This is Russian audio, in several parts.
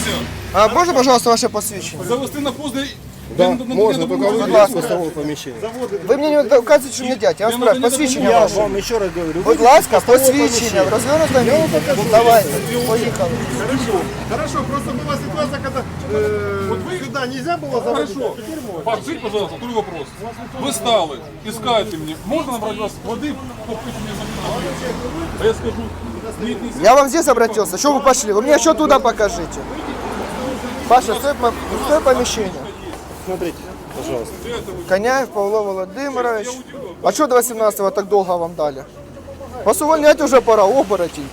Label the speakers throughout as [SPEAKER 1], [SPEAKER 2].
[SPEAKER 1] А можно, пожалуйста, ваше посвящение?
[SPEAKER 2] Завести на пост, де...
[SPEAKER 3] Да, можно, только выйти из пустого помещения.
[SPEAKER 1] Вы мне не указываете, что мне дядь. Я вас спрашиваю, посвящение
[SPEAKER 3] Я
[SPEAKER 1] ваше.
[SPEAKER 3] вам еще раз говорю,
[SPEAKER 1] Будь ласка, посвящение. В развернутом виде. Давайте, поехали.
[SPEAKER 4] Хорошо, просто была ситуация, когда сюда нельзя было заводить.
[SPEAKER 2] Хорошо. Скажите, пожалуйста, второй вопрос. Вы стали, искаете мне. Можно набрать вас воды, попить мне за. А я скажу, нет, не
[SPEAKER 1] Я вам здесь обратился. Что вы пошли? Вы мне еще туда покажите. Паша, стой помещение.
[SPEAKER 3] Смотрите, пожалуйста.
[SPEAKER 1] Коняев Павло Володимирович. А что до 18-го так долго вам дали? Вас увольнять уже пора, оборотень.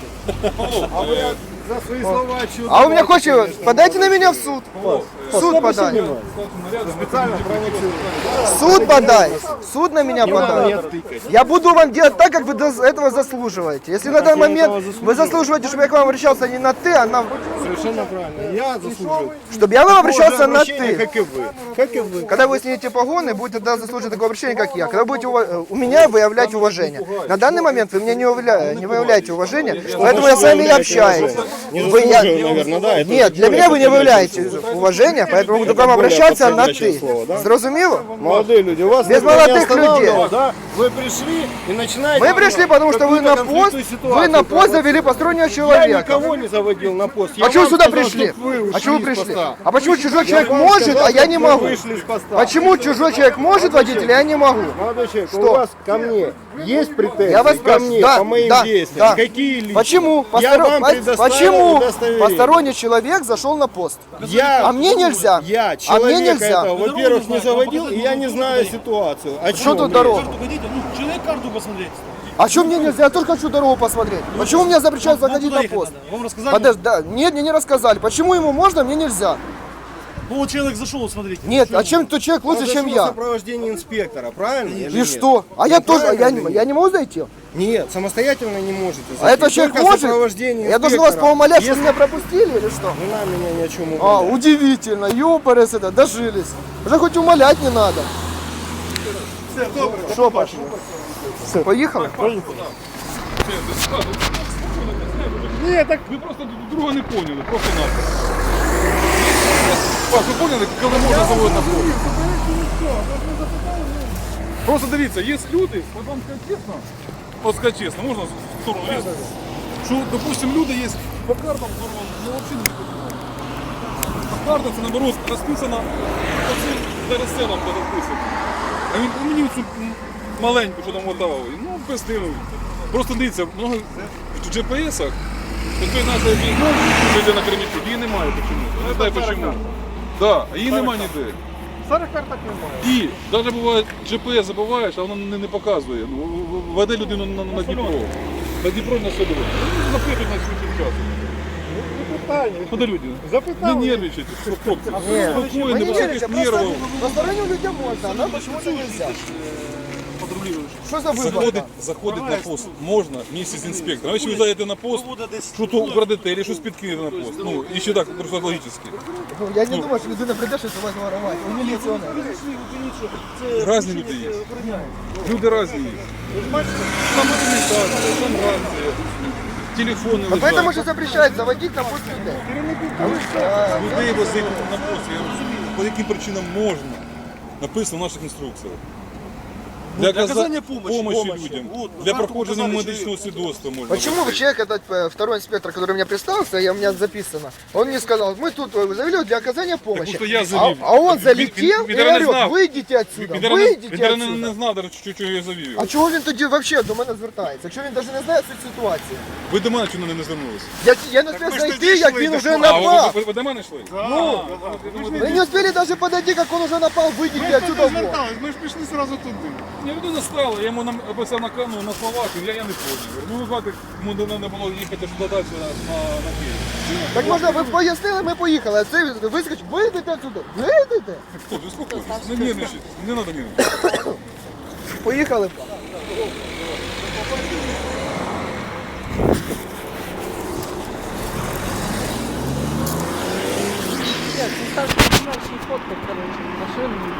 [SPEAKER 4] За свои слова отчет.
[SPEAKER 1] А вы меня хотите, подайте на меня в суд. В суд подай.
[SPEAKER 4] Специально провоцируют.
[SPEAKER 1] В суд подай. В суд на меня подай. Я буду вам делать так, как вы этого заслуживаете. Если на данный момент вы заслуживаете, чтобы я к вам обращался не на ты, а на...
[SPEAKER 4] Совершенно правильно. Я заслужил.
[SPEAKER 1] Чтобы я к вам обращался на
[SPEAKER 4] Обращение,
[SPEAKER 1] ты.
[SPEAKER 4] как и вы. Как и вы.
[SPEAKER 1] Когда вы снимете погоны, будете тогда заслуживать такого обращения, как я. Когда будете у меня выявлять уважение. На данный момент вы меня не выявляете уважение, поэтому я с вами и общаюсь.
[SPEAKER 3] Не
[SPEAKER 1] Вы-
[SPEAKER 3] заслуживаю, наверное, да? Это
[SPEAKER 1] Нет, для меня вы не выявляете уважение, поэтому буду к вам обращаться на ты. Зрозуміло?
[SPEAKER 3] Молодые люди, у вас
[SPEAKER 1] Без
[SPEAKER 3] никто не
[SPEAKER 1] молодых
[SPEAKER 3] останавливал,
[SPEAKER 1] людей.
[SPEAKER 3] да? Вы пришли и начинаете...
[SPEAKER 1] Мы пришли, потому что вы на
[SPEAKER 3] какую-то
[SPEAKER 1] пост,
[SPEAKER 3] конфликтную
[SPEAKER 1] вы на
[SPEAKER 3] ситуацию
[SPEAKER 1] пост завели постороннего
[SPEAKER 3] Я
[SPEAKER 1] человека.
[SPEAKER 3] никого не заводил на пост. Я
[SPEAKER 1] А чего
[SPEAKER 3] вам
[SPEAKER 1] сюда
[SPEAKER 3] сказал,
[SPEAKER 1] пришли?
[SPEAKER 3] чтоб вы
[SPEAKER 1] А
[SPEAKER 3] ушли
[SPEAKER 1] чего вы
[SPEAKER 3] из
[SPEAKER 1] пришли?
[SPEAKER 3] поста.
[SPEAKER 1] А почему чужой человек
[SPEAKER 3] вам
[SPEAKER 1] может,
[SPEAKER 3] сказал,
[SPEAKER 1] а я
[SPEAKER 3] чтоб
[SPEAKER 1] не
[SPEAKER 3] вы
[SPEAKER 1] могу?
[SPEAKER 3] вышли из поста.
[SPEAKER 1] Почему чужой человек может водить, а я не могу?
[SPEAKER 3] Молодой человек,
[SPEAKER 1] Что?
[SPEAKER 3] у вас ко мне есть претензии?
[SPEAKER 1] Я вас
[SPEAKER 3] ко
[SPEAKER 1] спрашиваю,
[SPEAKER 3] мне,
[SPEAKER 1] да,
[SPEAKER 3] по моим
[SPEAKER 1] да,
[SPEAKER 3] действиям?
[SPEAKER 1] да.
[SPEAKER 3] Какие личные?
[SPEAKER 1] Почему?
[SPEAKER 3] Я вам предоставил
[SPEAKER 1] Почему
[SPEAKER 3] удостоверение.
[SPEAKER 1] посторонний человек зашел на пост?
[SPEAKER 3] Я,
[SPEAKER 1] А мне нельзя.
[SPEAKER 3] Я
[SPEAKER 1] А мне
[SPEAKER 3] человека
[SPEAKER 1] нельзя.
[SPEAKER 3] этого, во-первых, не заводил, и я не знаю ситуацию. О
[SPEAKER 1] Что
[SPEAKER 3] чем
[SPEAKER 1] тут
[SPEAKER 3] речь?
[SPEAKER 1] дорога?
[SPEAKER 5] Хотите, ну, человек карту посмотреть.
[SPEAKER 1] А что мне нельзя? Я только хочу дорогу посмотреть. Почему мне запрещают заходить
[SPEAKER 5] туда
[SPEAKER 1] на
[SPEAKER 5] ехать
[SPEAKER 1] пост?
[SPEAKER 5] надо. Вам рассказали?
[SPEAKER 1] Подожди, да, нет, мне не рассказали. Почему ему можно, мне нельзя?
[SPEAKER 5] Ну вот человек зашел, вот смотрите.
[SPEAKER 1] Нет, а чем тот человек лучше,
[SPEAKER 3] Он
[SPEAKER 1] чем
[SPEAKER 3] зашел в
[SPEAKER 1] я?
[SPEAKER 3] сопровождении инспектора, правильно? или
[SPEAKER 1] И
[SPEAKER 3] нет?
[SPEAKER 1] что? А я тоже,
[SPEAKER 3] Правильно или нет?
[SPEAKER 1] я не могу зайти?
[SPEAKER 3] Нет, самостоятельно не можете.
[SPEAKER 1] А этот человек
[SPEAKER 3] Только в
[SPEAKER 1] может?
[SPEAKER 3] сопровождении
[SPEAKER 1] Я должен вас
[SPEAKER 3] инспектора.
[SPEAKER 1] поумолять, что
[SPEAKER 3] Если-
[SPEAKER 1] меня пропустили или что?
[SPEAKER 3] Не надо меня ни о чем
[SPEAKER 1] А,
[SPEAKER 3] умолять.
[SPEAKER 1] удивительно, ёпарес это, дожились. Уже хоть умолять не надо. Что пошло? Все, поехали?
[SPEAKER 2] Ні, так ви просто друг друга не поняли, просто надо. Паш, ви поняли, коли можна заводити на пост? Просто дивіться, є люди, от вам сказати чесно, от сказати чесно, можна в сторону лізти? Що, допустим, люди є по картам, ну взагалі не понимаю. По картам це, наоборот, розписано, оце зараз це вам буде розписано. А він мені цю маленьку, що там отдавав, ну, без диву. Просто дивіться, много в GPS-ах, той нашої війни, йде на Кремлі, її немає почему. Не знаю почему. Да, а її немає ніде.
[SPEAKER 4] Старих карток немає.
[SPEAKER 2] І навіть буває GPS забуваєш, а воно не показує. Ну, веде людину на Дніпро. На Дніпро на село. Ну, запитують на свій часу.
[SPEAKER 4] Питання.
[SPEAKER 2] Куди люди?
[SPEAKER 4] Запитали.
[SPEAKER 2] Не нервничайте, хлопці. Спокійно,
[SPEAKER 1] Мы не
[SPEAKER 2] без
[SPEAKER 1] верите,
[SPEAKER 2] всяких
[SPEAKER 1] просто
[SPEAKER 2] нервів.
[SPEAKER 1] посторонним людям можно, а нам почему-то нельзя. Что за выбор?
[SPEAKER 2] Заходить на пост можна вместе з інспектором. А якщо ви зайдете на пост, що то украдете, або щось підкинете на пост. Ну, і ще так, просто логічно.
[SPEAKER 1] Ну, я не думаю, что людина придет, что вас воровать. Он милиционер.
[SPEAKER 2] Разні люди є. Люди різні є. Там документація, там рація, телефони
[SPEAKER 1] Вот поэтому
[SPEAKER 2] лежать.
[SPEAKER 1] же запрещают заводить на пост людей.
[SPEAKER 2] Людей возити на пост, я розумію, по яким причинам можна. Написано в наших інструкціях. Для
[SPEAKER 5] оказания
[SPEAKER 2] помощи
[SPEAKER 5] помощи.
[SPEAKER 2] людям,
[SPEAKER 5] Вот,
[SPEAKER 2] для
[SPEAKER 5] карту
[SPEAKER 2] проходження
[SPEAKER 5] показали
[SPEAKER 2] медичного свідоцтва можна.
[SPEAKER 1] Почему вы человек, этот второй инспектор, который меня представился, у меня записано, он мне сказал, мы тут завели для оказания помощи.
[SPEAKER 2] потому что я завел.
[SPEAKER 1] А он
[SPEAKER 2] Він-
[SPEAKER 1] залетел
[SPEAKER 2] він
[SPEAKER 1] и
[SPEAKER 2] не
[SPEAKER 1] орет,
[SPEAKER 2] знав.
[SPEAKER 1] выйдите отсюда,
[SPEAKER 2] Він
[SPEAKER 1] выйдите
[SPEAKER 2] навіть
[SPEAKER 1] отсюда.
[SPEAKER 2] не знав, чого я завів.
[SPEAKER 1] А чого він тоді взагалі до мене звертається? Якщо він навіть не знає цієї ситуації.
[SPEAKER 2] Ви до мене чому не звернулися?
[SPEAKER 1] Я не встиг зайти, як він уже
[SPEAKER 2] А,
[SPEAKER 1] напав.
[SPEAKER 2] ви до мене йшли?
[SPEAKER 1] Вы не успели даже подойти, как он уже напал, выйдите отсюда вон.
[SPEAKER 4] Ми ж пішли одразу туди.
[SPEAKER 2] Я людина стала, я йому написав на камеру, на словах, я не поняв. Ну, звати, йому не було їхати сюди далі на Київ.
[SPEAKER 1] Так можна, ви пояснили, ми поїхали, а це вискочить, вийдете отсюда, вийдете.
[SPEAKER 2] Хлопці, успокойтесь, не нервничайте, не треба нервничати.
[SPEAKER 1] Поїхали.
[SPEAKER 6] Нет, не ставьте снимать фоткать, короче, машину.